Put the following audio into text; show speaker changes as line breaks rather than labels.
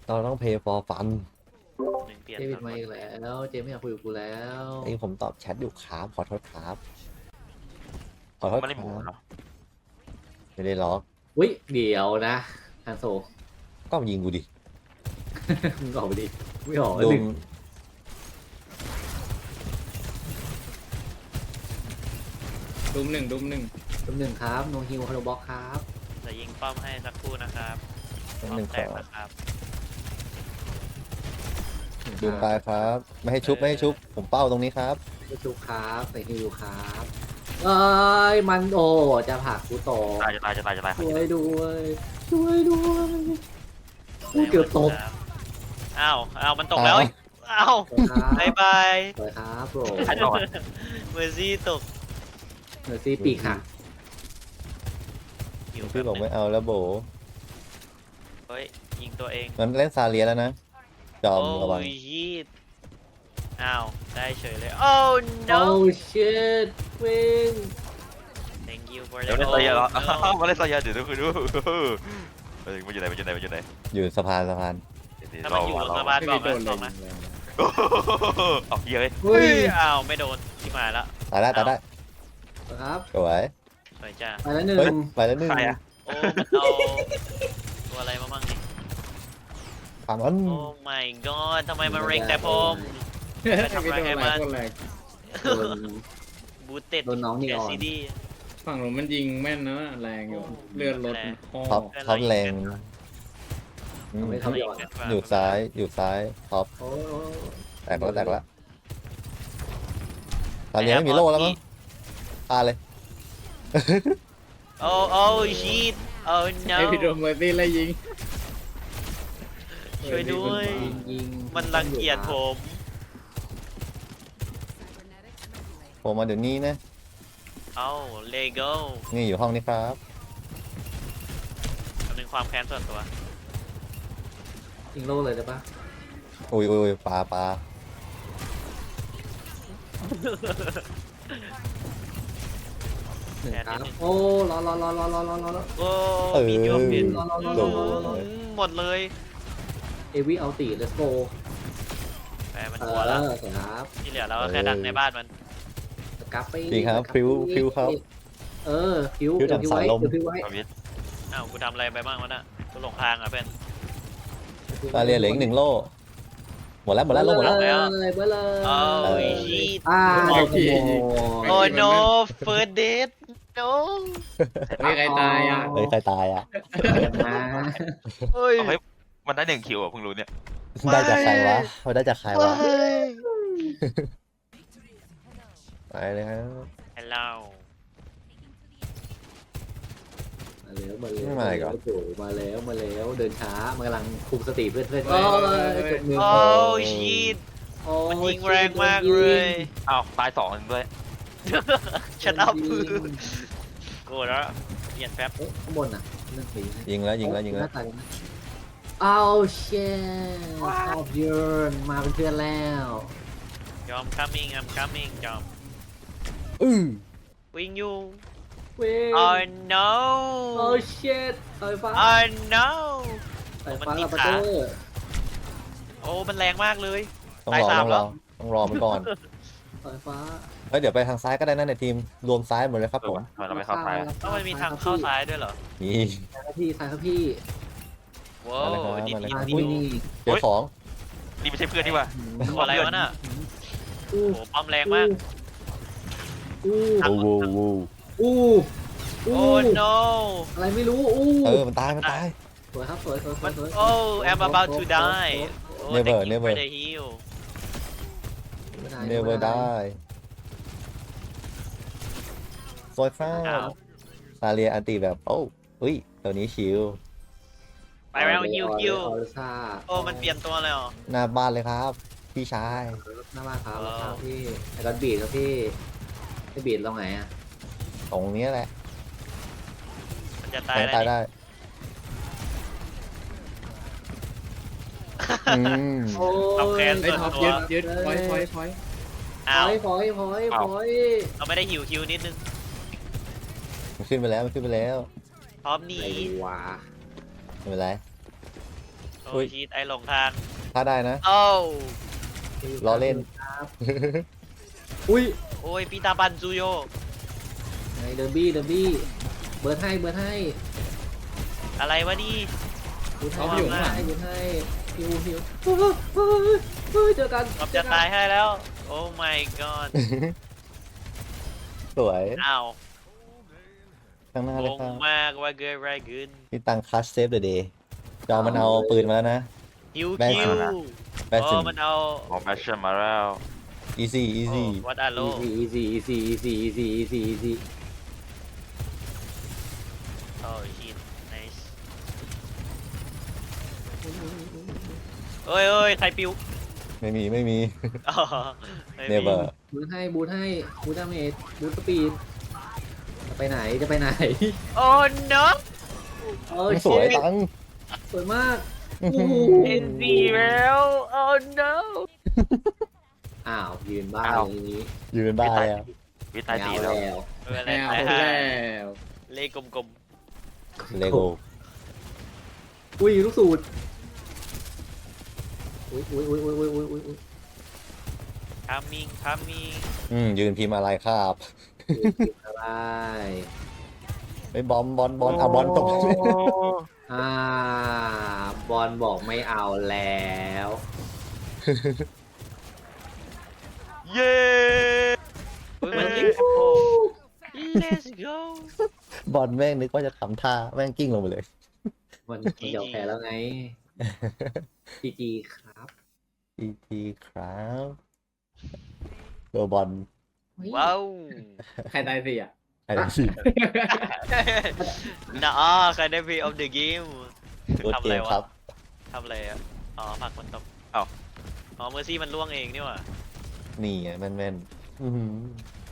เราต้อง pay for fun
หนึ่งเปลี่ยน
เจมิดมาอีกแล้วเจมไม่อยากคุยกับกูแล้ว
ไอ้ผมตอบแชทอยู่ครับขอโทษครับขอโทษ
ไม่
ค
ได้หมู
รับ
เนาะ
ไม่ได้ล็อก
อุ้ยเดี๋ยวนะฮันโซ
ก็ยิงกูดิ
มึงออกไปดิไม่ออก
ดู
หนึ่ง
ดุมหนึ่ง
ตัวหนึ่งครับโนฮิวฮัลโลบ็อกครับ
จะยิงป้อมให้สักครู่นะครับป้อม
หนึ่ง
แต
ข
ก
อ
นะครับ
ดูไปครับ ไม่ให้ชุบไม่ให้ชุบ ผมเป้าตรงนี้ครับ
ไม่ชุบครับใส่ฮิวครับเอ้ยมันโอจะผลักกูตก
ตาย
ช่วยด้วยช่วยด้วยกูเกือบตก
อ้าวมันตกแล้วอ้าว
ครับ
บายบาย
สวยครับโปร
ใครตกเมอร์ซี่ตก
เมอร์ซี่ปีกหัก
หิว
พี่บอกไม่เอาแล้วโบ
เฮ้ยยิงตัวเอง
มันเล่นซาเลียแล้วนะ จอม
โอ้
ระวัง
ยยีดอ้าวได้เฉยเลยโอ้
โอ้
no
ชิตวิ่ง
thank you for
เดี๋ยว
the
เล่นซายาเหรอ
oh no
มาเล่นซายาเดี๋ยวดูคือดูมันอยู่ไหนมันอยู่ไหนมันอยู่ไหน
อยู่สะพาน
ถ้ามันอยู่สบาย
ไม่
บอก
ได้โด
นะ
น
บ
เล
อก
ย
นะ
เอาเยอะเลย
เฮ้ย
อ้าวไม่โดนที่มาแล้ว
ตายได้ตายได้
ครับ
สวย
สวยจ้า
ไปแล้วหนึ่
เฮ้ย
ง
ไปแล้วหนึ่ง
ใครอะ
โอ้มันเอาตัวอะไรมาบ้างนี่
ผ่านวัน
โอ้ my god ทำไมมันเร็งแต่ผม
ไม่โดนอะไรคนแรก
โดน
บูเต็ด
โดนน้องนี่
แก
ก่อน
ซีดี
ฝั่งหนูมันยิงแม่นนะแรงอยู่เลือดลดคอ
ท็อปแรงอืม
ไม่เขาหยอด
อยู่ซ้ายอยู่ซ้ายท็อป
โอ้ย
แตกแล้วซาเลียไม่มีโล่แล้วมั้งตายเลย
โอ้ชีตโอ้ no
ไอพี่โดนเมอร์ซี่ไล่ยิง
ช่วยด้วย
ยิง
มันรังเกียจผม
ผมมาเดี๋ยวนี้นะ
เอ้าเลโก้
นี่อยู่ห้องนี้ครับ
คำนึงความแค้นส่วนตัว
ยิงโล่เลยได้ปะ
อุ้ยปลา
หนึ่งครับโอ้รอ
โอ้มีโยมบิน
โดน
หมดเลย
เอวีเอาตี let's go
แต่มันกลัวแล้ว
สวยครับ
ที่เหลือเราก็แค่ดักในบ้านมัน
สกัฟไป
ดีครับพริ้วครับ
พิ้ว
พริ้วดั่งสายลม
พิ้วไว้
เอาวิท
อ้าวกูทำอะไรไปบ้างวะน่ะกูหลงทางอ่ะเพื่อน
ซาเลียเหลืออีก1 โล่หมดแล้วโล่หมดแล้ว
เลยเบอร์เลย
โอ้
เออ
ชีต
โอ้โห
โอ้ no first date no
ไม่ใครตายอ่ะ
เฮ้ยใครตายอ่ะ
มา
เฮ้ย
เอาเฮ้ยมันได้1 คิวอ่ะเพิ่งรู้เนี่ย
ได้จากใครวะเขาได้จากใครวะไปเลยครับ
ฮัลโหล
มาแล้วเดินช้ามากำลังคุมสติเพื่อนจบมือ
โอ้ชีตมันยิงแรงมากเลย
อ้าวตาย2ด้วย
ชัดอัพโกรธแล้วเปลี่ยนแป๊บ
ข้างบนอ่ะเรื่องผี
ยิงแล้ว
เอาเชนชอบยืนมาเป็นเพื่อนแล้ว
ยอม coming I'm coming ยอม วิ่งอยู่
เว้ย
oh no
โอ้เชนไฟฟ้า
oh no
ไฟฟ้าลาปาเตอร์
โอ้มันแรงมากเลย
ต้อง
ตาย
รอ
สาม
ต้องรอมันก่อน
ไฟฟ้า
เฮ้ยเดี๋ยวไปทางซ้ายก็ได้นะในทีมรวมซ้ายหมดเลยครับผม
เราไม่เข้าท้าย
ต้องมันมีทางเข้าซ้ายด้วยเหรอ
นี่
ซ้ายครับพี่ซ้ายครับพี่
ว้าวดิ
มาเลย
ดิ
ครับ
ซ้าย
ดิ
พี่
ดิ
นี่
เจอของ
นี่ไม่ใช่เพื่อนนี่ว่ะ
ตัวอะไรวะน่ะ
อู้
โอ้ป้อมแรงมาก
อู้
โอ้โห
อู้
โอ้ no
อะไรไม่รู้อู้
มันตาย
สวยครับสวย
มันโอ้ I'm about to die โอ้
Never,
thank you
never.
for the heal
เนเวอร์ได้ซอยฟ้า
อ้าว
ซาเลียอันตีแบบโอ้อุ้ยตัวนี้ชิว
ไปแล้วฮิวฮิว
ออร์ซ่า
โอ้มันเปลี่ยนตัวเลยเหรอ
หน้าบ้านเลยครับ พี่ชาย
หน้าบ้านครับครับพี่ไอ้ก้อนบีดครับพี่ไอ้บีดลงไหนอ่ะ
ตรงนี้แหละ
มันจะตาย
แทง
แล้ว
ตาย
นี่
ได้อืม
โอ้
เอาแคน
ไอ้ท็อปยึดพอย
อ้าว
พอย
เราไม่ได้หิวคิวนิดนึง
มันขึ้นไปแล้ว
พร้อมหนี
ไอ้วะ
ไม่เป็นไร
โอ้ยชีตไอหลงทาง
ถ้าได้นะ
โอ้
ล้อเล่น
ครับอุ้ย
โอ้ยปีตาบันซูโย
ไงเดอร์บี้เบิร์ดให้
อะไรวะนี่
เบิร์ดให้
เอาอยู่ข้างหลัง
เบิร์ดให้ฮิวเจอกัน
กอบจะตายให้แล้ว โอ้ my god
สวย
อ้าว
ข้างหน้าง เลย
ง
ครับ
มากว่าเกิดอะไรขึ้น
พี่ตังคัสเซฟเดอะเดย์จอมันเอาปืนมาแล้วนะ
ฮิว
แม่ง
คิว
แบส
โอ้
ซิน
มันเอา
โอ้แมชชั่นมาแล้ว
easy easy
วัดอาโล
easy
โอ้ชิต nice เอ้ยใครปิว
ไม่มี
อ๋อไม่มี
never
บูทให้บูทดาเมจบูทสปีดจะไปไหน
โอ้ no
เออ
สวย
ชิต
ตัง
สวยมาก
เอ็นซีแล้ว โอ้ no
อ้าวยืนบ้าอย่างนี้
ยืนบ้าแล้ว
วิตายตีแล้ว
เอออะไร
แมว
ตาย
แล้
ห่าว เลขกลม
เลโก้
อุ้ยลูกสูตรอุ้ย
ๆ coming
ยืนพิมพ์อะไรครับ
อะไร
ไปบอลอ่ะบอลตก
บอลบอกไม่เอาแล้ว
เย้
อุ้ยมันยิงโอ้ let's go
บอลแม่งนึกว่าจะทำท่าแม่งกิ้งลงไปเลย
มันเดี๋ยวแพ้แล้วไง จีครับ
GG ครับตัวบอล
ว้าว
ใครตายสิอ่ะ
อะไรสิ
น่าใครได้ play of the game
ตัว
ทำ
เก
อะไร
มครั
วะ
บ
ทำอะไรอ่ะ อ๋อผักมันตกอ๋อเมอร์ซี่มันล่วงเองนี่หว่า
นี่ไงแม่นๆอื้อหือ